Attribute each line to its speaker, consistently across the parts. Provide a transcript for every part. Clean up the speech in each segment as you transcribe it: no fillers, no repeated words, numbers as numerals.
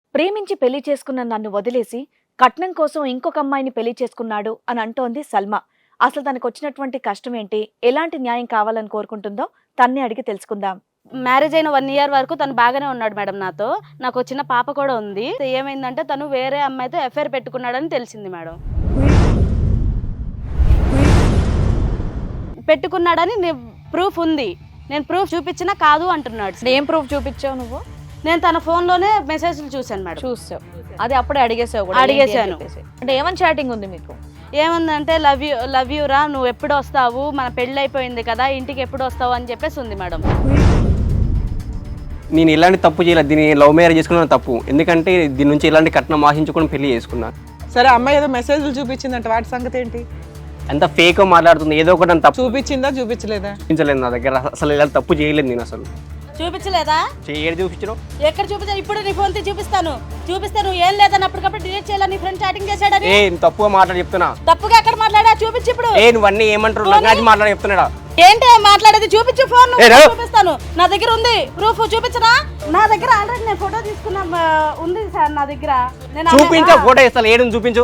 Speaker 1: ప్రేమించి పెళ్లి చేసుకున్న నన్ను వదిలేసి కట్నం కోసం ఇంకొక అమ్మాయిని పెళ్లి చేసుకున్నాడు అని అంటోంది సల్మా. అసలు తనకు వచ్చినటువంటి కష్టం ఏంటి, ఎలాంటి న్యాయం కావాలని కోరుకుంటుందో తన్నే అడిగి తెలుసుకుందాం.
Speaker 2: మ్యారేజ్ అయిన 1 ఇయర్ వరకు తను బాగానే ఉన్నాడు మేడం నాతో. నాకు వచ్చిన పాప కూడా ఉంది. ఏమైందంటే తను వేరే అమ్మాయితో ఎఫ్ఐఆర్ పెట్టుకున్నాడని తెలిసింది మేడం. పెట్టుకున్నాడని ప్రూఫ్ ఉంది. నేను ప్రూఫ్ చూపించినా కాదు అంటున్నాడు.
Speaker 1: ఏం ప్రూఫ్ చూపించావు నువ్వు?
Speaker 2: నేను తన ఫోన్లోనే మెసేజ్లు చూశాను మేడం.
Speaker 1: చూసావు, అది అప్పుడే అడిగేసావు కూడా?
Speaker 2: అడిగేశాను.
Speaker 1: అంటే ఏమని చాటింగ్ ఉంది మీకు?
Speaker 2: ఏముందంటే లవ్ యూ రా, నువ్వు ఎప్పుడు వస్తావు, మన పెళ్ళి అయిపోయింది కదా, ఇంటికి ఎప్పుడు వస్తావు అని చెప్పేసి ఉంది మేడం.
Speaker 3: నేను ఇలాంటి తప్పు చేయలేదు, దీన్ని లవ్ మ్యారేజ్ చేసుకున్నాను తప్పు. ఎందుకంటే దీని నుంచి ఇలాంటి కట్నం ఆశించుకొని పెళ్లి చేసుకున్నాను.
Speaker 4: సరే, అమ్మాయి ఏదో మెసేజ్లు చూపించిందంట, వాటి సంగతి ఏంటి?
Speaker 3: అంత ఫేక్ మాట్లాడుతుంది, ఏదో ఒకటి అని తప్పు
Speaker 4: చూపించిందా చూపించలేదా?
Speaker 3: చూపించలేదు నా దగ్గర. అసలు ఇలాంటి తప్పు చేయలేదు నేను. అసలు
Speaker 2: చూపించలేదా?
Speaker 3: ఏడు చూపించడం
Speaker 2: ఎక్కడ చూపించాను? ఇప్పుడు నీ ఫోన్ చూపిస్తాను. ఏం లేదని అప్పటికప్పుడు డిలీట్ చేయాలని నీ ఫ్రెండ్ చాటింగ్ చేశాడని.
Speaker 3: తప్పుగా మాట్లాడి చెప్తున్నా.
Speaker 2: తప్పుగా ఎక్కడ మాట్లాడా? చూపించి ఇప్పుడు.
Speaker 3: నువ్వన్నీ ఏమంటారు, లగ్నాచి మాట్లాడి చెప్తున్నాడా?
Speaker 2: ఏంటి మాట్లాడేది? చూపించు ఫోన్. చూపిస్తాను, నా దగ్గర ఉంది ప్రూఫ్. చూపించనా? నా దగ్గర ఆల్రెడీ నేను ఫోటో తీసుకున్నా ఉంది సార్ నా దగ్గర.
Speaker 3: చూపించు, ఫోటో ఇస్తాను. ఏడు చూపించు.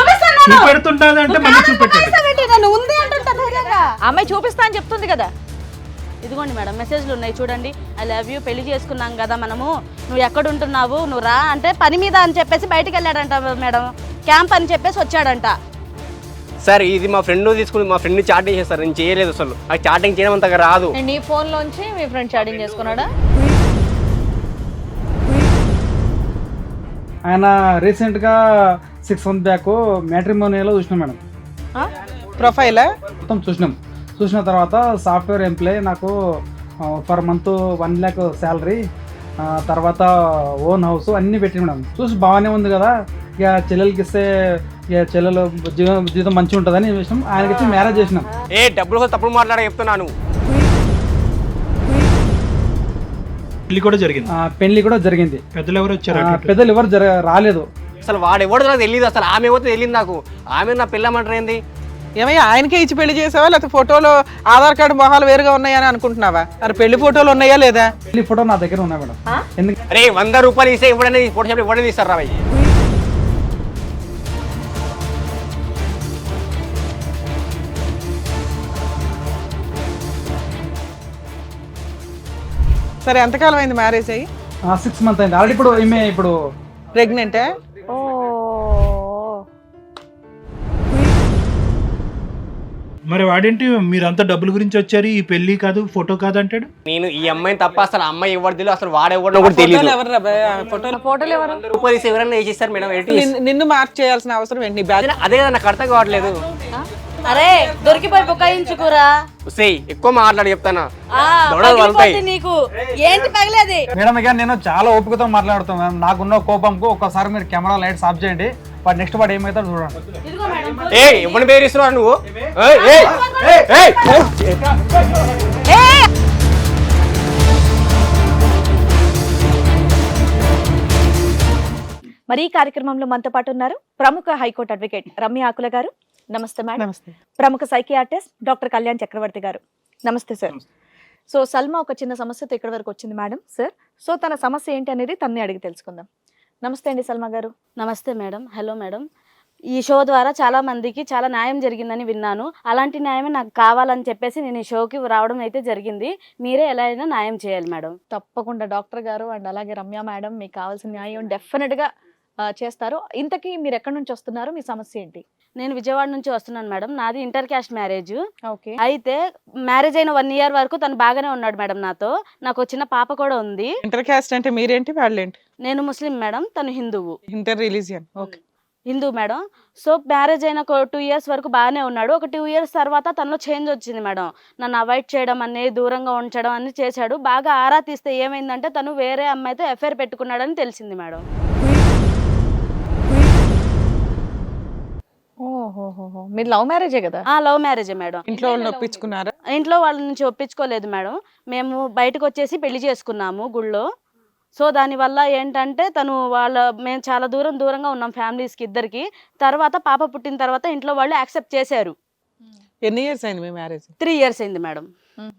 Speaker 2: ఉంది అంటుంటా ధైర్యంగా.
Speaker 1: అమ్మాయి చూపిస్తా అని చెప్తుంది కదా.
Speaker 2: ఇదిగోండి మేడం, మెసేజ్లు ఉన్నాయి చూడండి. ఐ లవ్ యూ, పెళ్లి చేసుకున్నాం కదా మనము, నువ్వు ఎక్కడ ఉంటున్నావు, నువ్వు రా అంటే పని మీద అని చెప్పేసి బయటికి వెళ్ళాడంట మేడం. క్యాంప్ అని చెప్పేసి వచ్చాడంట.
Speaker 3: సార్ ఇది మా ఫ్రెండ్ తీసుకుని మా ఫ్రెండ్ చాటింగ్ చేస్తారు, నేను చేయలేదు. అసలు నాకు చాటింగ్ చేయడం అంతగా రాదు.
Speaker 1: నీ ఫోన్ లోంచి మీ ఫ్రెండ్ చాటింగ్ చేసుకున్నాడా?
Speaker 5: ఆయన రీసెంట్గా 6 months బ్యాక్ మ్యాట్రిమోనియలో చూసినాం మేడం.
Speaker 4: ప్రొఫైలా
Speaker 5: మొత్తం చూసిన తర్వాత సాఫ్ట్వేర్ ఎంప్లాయ్, నాకు పర్ మంత్ 1 lakh శాలరీ, తర్వాత ఓన్ హౌస్ అన్నీ పెట్టి మేడం. చూసి బాగానే ఉంది కదా, ఇక చెల్లెలకి ఇస్తే ఇక చెల్లెలు జీవితం మంచిగా ఉంటుందని విషయం ఆయనకి ఇచ్చి మ్యారేజ్ చేసినాం.
Speaker 3: డబ్బులు కోసం తప్పుడు మాట్లాడే చెప్తున్నాను.
Speaker 6: పెళ్లి కూడా జరిగింది.
Speaker 5: పెళ్లి కూడా జరిగింది.
Speaker 6: పెద్దలు ఎవరు వచ్చారు?
Speaker 5: పెద్దలు ఎవరు రాలేదు.
Speaker 3: అసలు వాడు ఎవడో నాకు తెలియదు. అసలు ఆమె ఏమో తెలియదు నాకు. ఆమె నా పిల్లమంటారు ఏంది?
Speaker 4: ఏమయ్యా, ఆయనకే ఇచ్చి పెళ్లి చేసావా, లేకపోతే ఫోటోలో ఆధార్ కార్డు మొహాలు వేరుగా ఉన్నాయని అనుకుంటున్నావా? మరి పెళ్లి ఫోటోలు ఉన్నాయా లేదా?
Speaker 5: పెళ్లి ఫోటో నా దగ్గర ఉన్నాయి మేడం. ఎందుకంటే
Speaker 3: అరే 100 రూపాయలు ఇస్తే ఇవ్వడనే ఫోటో షాప్ ఇవ్వడం ఇస్తారు రా.
Speaker 4: సరే, ఎంతకాలం అయింది మ్యారేజ్ అయ్యి?
Speaker 5: 6 months అయింది ఆల్రెడీ. ఇప్పుడు ఈమె ఇప్పుడు
Speaker 4: ప్రెగ్నెంటే?
Speaker 6: మరి వాడేంటి మీరంతా డబ్బుల గురించి వచ్చారు, ఈ పెళ్లి కాదు ఫోటో కాదు అంటాడు.
Speaker 3: నేను ఈ అమ్మాయిని తప్ప అసలు అమ్మాయి ఎవరు తెలియదు, అసలు వాడెవడో కూడా తెలియదు.
Speaker 5: ఫోటోలు ఎవరు?
Speaker 3: 100 రూపాయలు ఇస్తే ఎవరైనా వేసేస్తారు మేడం.
Speaker 4: నిన్ను మార్క్ చేయాల్సిన అవసరం ఏంటి?
Speaker 3: అదే కదా నాకు అర్థం కావట్లేదు.
Speaker 2: అరే దొరికిపోయి బుకాయించుకురా.
Speaker 3: ఎక్కువ మాట్లాడి చెప్తానా
Speaker 2: నీకు ఏంటి పగలేది?
Speaker 5: మేడం ఇక నేను చాలా ఓపికతో మాట్లాడుతాను మేడం. నాకున్న కోపంకు ఒక్కసారి మీరు కెమెరా లైట్స్ ఆఫ్ చేయండి. వాడు నెక్స్ట్ వాడు ఏమైతే చూడండి.
Speaker 3: ఎవరిని బెదిరిస్తున్నావు నువ్వు?
Speaker 1: మరి ఈ కార్యక్రమంలో మనతో పాటు ఉన్నారు ప్రముఖ హైకోర్టు అడ్వకేట్ రమ్య ఆకుల గారు. నమస్తే మేడం.
Speaker 4: నమస్తే.
Speaker 1: ప్రముఖ సైకియాట్రిస్ట్ డాక్టర్ కళ్యాణ్ చక్రవర్తి గారు. నమస్తే సార్. సో సల్మా ఒక చిన్న సమస్యతో ఇక్కడ వరకు వచ్చింది మేడం సార్. సో తన సమస్య ఏంటి అనేది తన్నే అడిగి తెలుసుకుందాం. నమస్తే అండి సల్మా గారు.
Speaker 2: నమస్తే మేడం. Hello madam. ఈ షో ద్వారా చాలా మందికి చాలా న్యాయం జరిగిందని విన్నాను. అలాంటి న్యాయమే నాకు కావాలని చెప్పేసి నేను ఈ షోకి రావడం అయితే జరిగింది. మీరే ఎలా అయినా న్యాయం చేయాలి మేడం.
Speaker 1: తప్పకుండా డాక్టర్ గారు అండ్ అలాగే రమ్య మేడం మీకు కావాల్సిన న్యాయం డెఫినెట్ గా చేస్తారు. ఇంతకీ మీరు ఎక్కడి నుంచి వస్తున్నారు, మీ సమస్య ఏంటి?
Speaker 2: నేను విజయవాడ నుంచి వస్తున్నాను మేడం. నాది ఇంటర్ క్యాస్ట్ మ్యారేజ్.
Speaker 1: ఓకే.
Speaker 2: అయితే మ్యారేజ్ అయిన 1 ఇయర్ వరకు తను బాగానే ఉన్నాడు మేడం నాతో. నాకు వచ్చిన పాప కూడా ఉంది.
Speaker 4: ఇంటర్ క్యాస్ట్ అంటే మీరేంటి వాళ్ళేంటి?
Speaker 2: నేను ముస్లిం మేడం, తను హిందువు.
Speaker 4: Inter religion. Okay.
Speaker 2: Hindu madam. So marriage అయిన 2 years వరకు బాగానే ఉన్నాడు. ఒక 2 years తర్వాత తనలో చేంజ్ వచ్చింది మేడం. నన్ను అవాయిడ్ చేయడం అనేది, దూరంగా ఉంచడం అని చేశాడు. బాగా ఆరా తీస్తే ఏమైందంటే తను వేరే అమ్మాయితో ఎఫ్ఐఆర్ పెట్టుకున్నాడని తెలిసింది మేడం.
Speaker 1: ఓహోహోహో, మీరు లవ్ మ్యారేజే కదా?
Speaker 2: లవ్ మ్యారేజే మేడం.
Speaker 4: ఇంట్లో వాళ్ళని ఒప్పించుకున్నారా?
Speaker 2: ఇంట్లో వాళ్ళ నుంచి ఒప్పించుకోలేదు మేడం. మేము బయటకు వచ్చేసి పెళ్లి చేసుకున్నాము గుళ్ళో. సో దానివల్ల ఏంటంటే మేము చాలా దూరంగా ఉన్నాం ఫ్యామిలీస్కి ఇద్దరికి. తర్వాత పాప పుట్టిన తర్వాత ఇంట్లో వాళ్ళు యాక్సెప్ట్ చేశారు.
Speaker 4: ఎన్ని ఇయర్స్ అయింది మీ మ్యారేజ్?
Speaker 2: 3 years అయింది మేడం.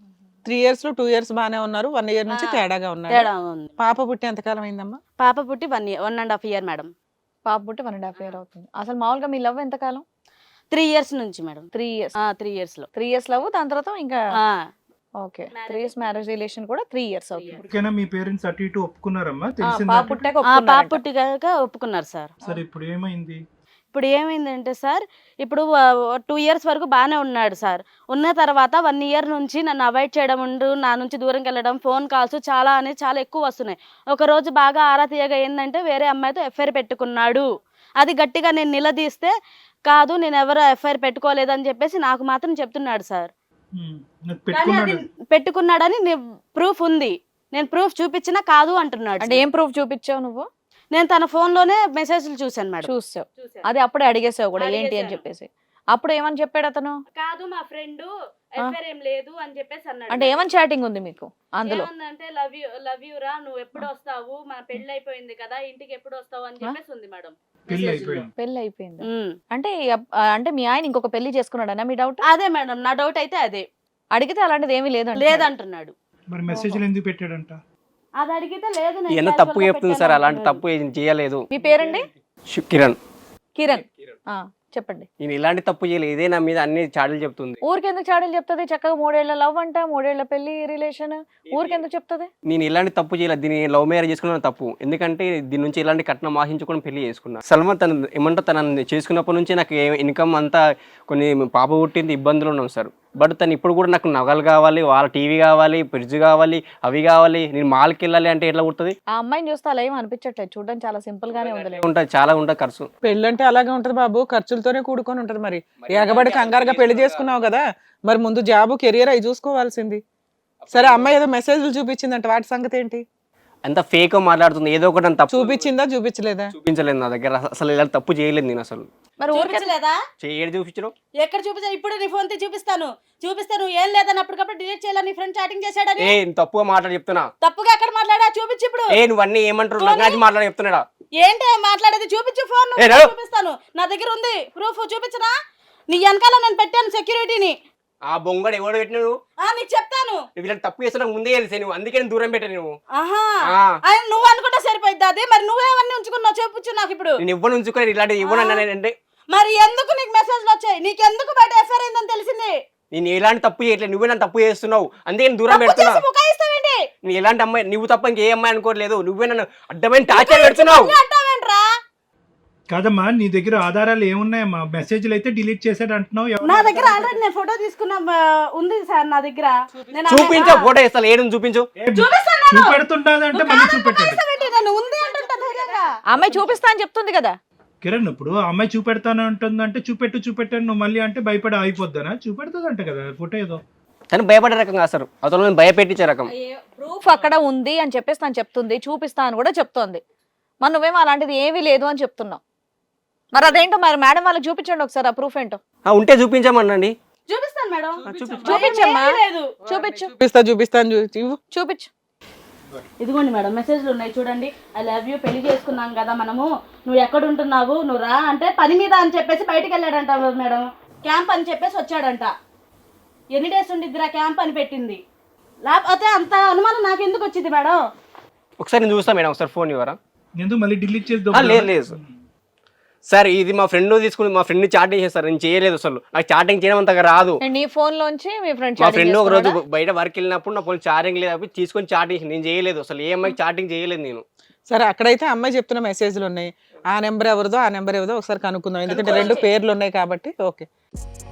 Speaker 4: 3 years లో 2 years బానే ఉన్నారు, 1 year నుంచి తేడాగా ఉన్నారు.
Speaker 2: తేడా ఉంది.
Speaker 4: పాప పుట్టి ఎంతకాలం అయిందమ్మా?
Speaker 2: పాప పుట్టి 1.5 year మేడం.
Speaker 1: పాప పుట్టి 1.5 year అవుతుంది. అసలు మామూలుగా మీ లవ్ ఎంతకాలం?
Speaker 2: 3 years నుంచి మేడం.
Speaker 1: 3 years.
Speaker 2: 3 years లో
Speaker 1: 3 years లవ్, దాని తర్వాత ఇంకా
Speaker 2: ఆ,
Speaker 1: ఓకే 3 years మ్యారేజ్ రిలేషన్ కూడా 3 years అవుతుంది.
Speaker 6: ఇప్పటికైనా మీ పేరెంట్స్ అటు ఇటు ఒప్పుకున్నారమ్మా?
Speaker 1: పాప
Speaker 6: తెలిసిందా?
Speaker 1: పుట్టాక
Speaker 2: పాప
Speaker 1: ఒప్పుకున్నారంట.
Speaker 2: పుట్టిగాక ఒప్పుకున్నారు సార్.
Speaker 6: సరే ఇప్పుడు ఏమైంది?
Speaker 2: ఇప్పుడు ఏమైందంటే సార్, ఇప్పుడు 2 years వరకు బాగానే ఉన్నాడు సార్. ఉన్న తర్వాత 1 year నుంచి నన్ను అవాయిడ్ చేయడం, నా నుంచి దూరంకి వెళ్ళడం, ఫోన్ కాల్స్ చాలా ఎక్కువ వస్తున్నాయి. ఒక రోజు బాగా ఆరా తీయగా ఏంటంటే వేరే అమ్మాయితో ఎఫ్ఐఆర్ పెట్టుకున్నాడు. అది గట్టిగా నేను నిలదీస్తే కాదు నేను ఎవరు ఎఫ్ఐఆర్ పెట్టుకోలేదని చెప్పేసి నాకు మాత్రం చెప్తున్నాడు సార్.
Speaker 6: నాకు
Speaker 2: కానీ అది
Speaker 6: పెట్టుకున్నాడు.
Speaker 2: పెట్టుకున్నాడని ప్రూఫ్ ఉంది, నేను ప్రూఫ్ చూపించినా కాదు అంటున్నాడు.
Speaker 1: అంటే ఏం ప్రూఫ్ చూపించావు నువ్వు?
Speaker 2: నేను తన ఫోన్ లోనే మెసేజ్లు చూసాను మేడం.
Speaker 1: చూసావు, అది అప్పుడే అడిగేసావు కూడా ఏంటి అని
Speaker 2: అడిగేశాను.
Speaker 1: చెప్పేసి. అప్పుడు ఏమని చెప్పాడు అతను?
Speaker 2: కాదు మా ఫ్రెండ్ ఎఫ్ఐఆర్ ఏం లేదు అని చెప్పేసి అన్నాడు.
Speaker 1: అంటే ఏమని చాటింగ్ ఉంది మీకు అందులో?
Speaker 2: ఏమన్నంటే లవ్ యూ రా, నువ్వు ఎప్పుడు వస్తావు, మన పెళ్లి అయిపోయింది కదా, ఇంటికి ఎప్పుడు వస్తావు అని చెప్పేసి ఉంది మేడం.
Speaker 6: పెళ్లి అయిపోయింది.
Speaker 1: పెళ్లి అయిపోయింది అంటే అంటే మీ ఆయన ఇంకొక పెళ్లి చేసుకున్నాడనా మీ డౌట్?
Speaker 2: అదే మేడం నా డౌట్ అయితే అదే.
Speaker 1: అడిగితే అలాంటిది ఏమీ లేదు
Speaker 2: లేదంటున్నాడు.
Speaker 6: మరి మెసేజ్లు ఎందుకు పెట్టాడంట?
Speaker 2: అది అడిగితే లేదు నేను
Speaker 3: ఎంత
Speaker 2: casual
Speaker 3: తప్పు
Speaker 2: గా
Speaker 3: చెప్తుంది సార్,
Speaker 2: పెట్టాను
Speaker 3: అలాంటి
Speaker 2: అంటున్నాడు.
Speaker 3: తప్పు ఏం చేయలేదు.
Speaker 1: మీ పేరండి?
Speaker 3: కిరణ్.
Speaker 1: కిరణ్. చెప్పండి.
Speaker 3: నేను ఇలాంటి తప్పు చేయలేదు, ఇదే నా మీద అన్ని చాడీలు చెప్తుంది.
Speaker 1: ఊరికెందుకు చాడీలు చెప్తుంది? చక్కగా 3 ఏళ్ల లవ్ అంట, 3 ఏళ్ల పెళ్లి రిలేషన్, ఊరికెందుకు చెప్తుంది?
Speaker 3: నేను ఇలాంటి తప్పు చేయలేదు, దీన్ని లవ్ మ్యారేజ్ చేసుకున్న తప్పు. ఎందుకంటే దీని నుంచి ఇలాంటి కట్నం ఆశించుకొని పెళ్లి చేసుకున్నా. సల్మాన్ తను ఏమంటే తనని చేసుకున్నప్పటి నుంచి నాకు ఇన్కమ్ అంతా కొన్ని పాప పుట్టింది, ఇబ్బందులు ఉన్నాం సార్. బట్ తను ఇప్పుడు కూడా నాకు నగలు కావాలి, వాళ్ళ టీవీ కావాలి, ఫ్రిడ్జ్ కావాలి, అవి కావాలి, నేను మాల్కి వెళ్ళాలి అంటే ఎట్లా కుడుతుంది?
Speaker 1: ఆ అమ్మాయిని చూస్తే అలా ఏం అనిపించట్లేదు, చూడడానికి చాలా సింపుల్ గానే ఉంది.
Speaker 3: ఉంటుంది, చాలా ఉంటుంది ఖర్చు.
Speaker 4: పెళ్ళంటే అలాగే ఉంటది బాబు, ఖర్చులతోనే కూడుకొని ఉంటది. మరి ఎగబడి కంగారుగా పెళ్లి చేసుకున్నావు కదా, మరి ముందు జాబు కెరియర్ అవి చూసుకోవాల్సింది. సరే అమ్మాయి ఏదో మెసేజ్లు చూపించిందంట, వాటి సంగతి ఏంటి?
Speaker 3: అంత ఫేక్ మాట్లాడుతుంది, ఏదో ఒకటి నన్ను తప్పు
Speaker 4: చూపించిందా చూపించలేదా?
Speaker 3: చూపించలేదు నా దగ్గర, అసలు ఇలాంటి తప్పు చేయలేదు నేను అసలు.
Speaker 1: మరి ఊరికే
Speaker 2: చూపించలేదా?
Speaker 3: ఏడు చూపించడం
Speaker 2: ఎక్కడ చూపించా? ఇప్పుడు నీ ఫోన్ చూపిస్తాను ఏం లేదని అప్పటికప్పుడు డిలీట్ చేయాలని నీ ఫ్రెండ్ చాటింగ్ చేశాడని.
Speaker 3: తప్పుగా మాట్లాడి చెప్తున్నా.
Speaker 2: తప్పుగా ఎక్కడ మాట్లాడా? చూపించు ఇప్పుడు.
Speaker 3: నువ్వు అన్ని ఏమంటారు నాకు మాట్లాడి చెప్తున్నాడా?
Speaker 2: ఏంటి మాట్లాడేది? చూపించు ఫోన్. చూపిస్తాను, నా దగ్గర ఉంది ప్రూఫ్. చూపించనా? నీ వెనకాల నేను పెట్టాను సెక్యూరిటీని.
Speaker 3: ఆ బొంగడు ఎవడు పెట్టిన నువ్వు?
Speaker 2: నీకు చెప్తాను.
Speaker 3: నువ్వు ఇలాంటి తప్పు చేస్తున్నా ముందే తెలిసే నువ్వు, అందుకే నేను దూరం పెట్టాను నువ్వు.
Speaker 2: ఆయన నువ్వు అనుకుంటే సరిపోద్ది అది. మరి నువ్వేమన్నీ ఉంచుకున్నావు చూపించు నాకు ఇప్పుడు.
Speaker 3: నేను ఇవ్వను ఉంచుకుని ఇలాంటి ఇవ్వను అంటే.
Speaker 2: మరి ఎందుకు నీకు మెసేజ్లు వచ్చాయి? నీకెందుకు బయట ఎఫ్ఐఆర్ అయిందని తెలిసింది?
Speaker 3: నేను ఎలాంటి తప్పు చేయట్లేదు, నువ్వే నన్ను తప్పు చేస్తున్నావు, అందుకే నేను దూరం పెడుతున్నా. నేను ఎలాంటి అమ్మాయి, నువ్వు తప్ప ఇంకే అమ్మాయి అనుకోవట్లేదు, నువ్వే నన్ను అడ్డమైన టార్చర్ పెడుతున్నావు.
Speaker 6: కాదమ్మా, నీ దగ్గర ఆధారాలు ఏమున్నాయమ్మా? మెసేజ్లు అయితే డిలీట్ చేసాడు అంటున్నావు.
Speaker 2: నా దగ్గర ఆల్రెడీ నేను ఫోటో తీసుకున్నా ఉంది సార్ నా దగ్గర.
Speaker 3: చూపించు, ఫోటో ఇస్తాను, ఏడు చూపించు.
Speaker 6: చూపెడుతుంటాది అంటే మళ్ళీ చూపెట్టాడు.
Speaker 1: అమ్మాయి చూపిస్తా అని చెప్తుంది కదా
Speaker 6: కిరణ్. ఇప్పుడు ఆ అమ్మాయి చూపెడతాను అంటుందంటే చూపెట్టాను నువ్వు మళ్ళీ అంటే భయపడి అయిపోద్దానా? చూపెడుతుంది అంట కదా ఫోటో ఏదో.
Speaker 3: తను భయపడే రకం కాదు సార్, అతను భయపెట్టించే రకం.
Speaker 1: ప్రూఫ్ అక్కడ ఉంది అని చెప్పేసి తను చెప్తుంది, చూపిస్తా అని కూడా చెప్తోంది. మరి నువ్వేమో అలాంటిది ఏమీ లేదు అని చెప్తున్నావు. మరి అదేంటో మరి మేడం వాళ్ళకి చూపించండి ఒకసారి ఆ ప్రూఫ్ ఏంటో.
Speaker 3: ఉంటే చూపించమనండి.
Speaker 2: చూపిస్తాను మేడం.
Speaker 1: చూపించమ్మా, చూపించు.
Speaker 4: చూపిస్తాను
Speaker 1: చూపించు.
Speaker 2: ఇదిగోండి మేడం మెసేజ్లు ఉన్నాయి చూడండి. ఐ లవ్ యూ, పెళ్లి చేసుకున్నాం కదా మనము, నువ్వు ఎక్కడ ఉంటున్నావు, నువ్వు రా అంటే పని మీద అని చెప్పేసి బయటికి వెళ్ళాడంట మేడం. క్యాంప్ అని చెప్పేసి వచ్చాడంట. ఎన్ని డేస్ ఉండిద్దిరా క్యాంప్ అని పెట్టింది. లేకపోతే అంత అనుమానం నాకు ఎందుకు వచ్చింది మేడం?
Speaker 3: ఒకసారి నేను చూస్తా మేడం, ఒకసారి ఫోన్ ఇవ్వరా?
Speaker 6: ఎందుకు మళ్ళీ డిలీట్ చేద్దాం?
Speaker 3: లేదు సార్, ఇది మా ఫ్రెండ్ తీసుకుని మా ఫ్రెండ్ చాటింగ్ చేస్తారు, నేను చేయలేదు అసలు. నాకు చాటింగ్ చేయడం అంతగా రాదు.
Speaker 1: నీ ఫోన్ లోంచి మీ ఫ్రెండ్
Speaker 3: మా ఫ్రెండ్ ఒక రోజు బయట వర్క్ వెళ్ళినప్పుడు నా ఫోన్ చార్జింగ్ లేదు, తీసుకొని చాటింగ్ నేను చేయలేదు అసలు. ఏ అమ్మాయికి చాటింగ్ చేయలేదు నేను.
Speaker 4: సరే అక్కడైతే అమ్మాయి చెప్తున్న మెసేజ్లు ఉన్నాయి, ఆ నెంబర్ ఎవరిదో ఆ నెంబర్ ఎవరిదో ఒకసారి కనుక్కుందాం, ఎందుకంటే 2 పేర్లు ఉన్నాయి కాబట్టి. ఓకే.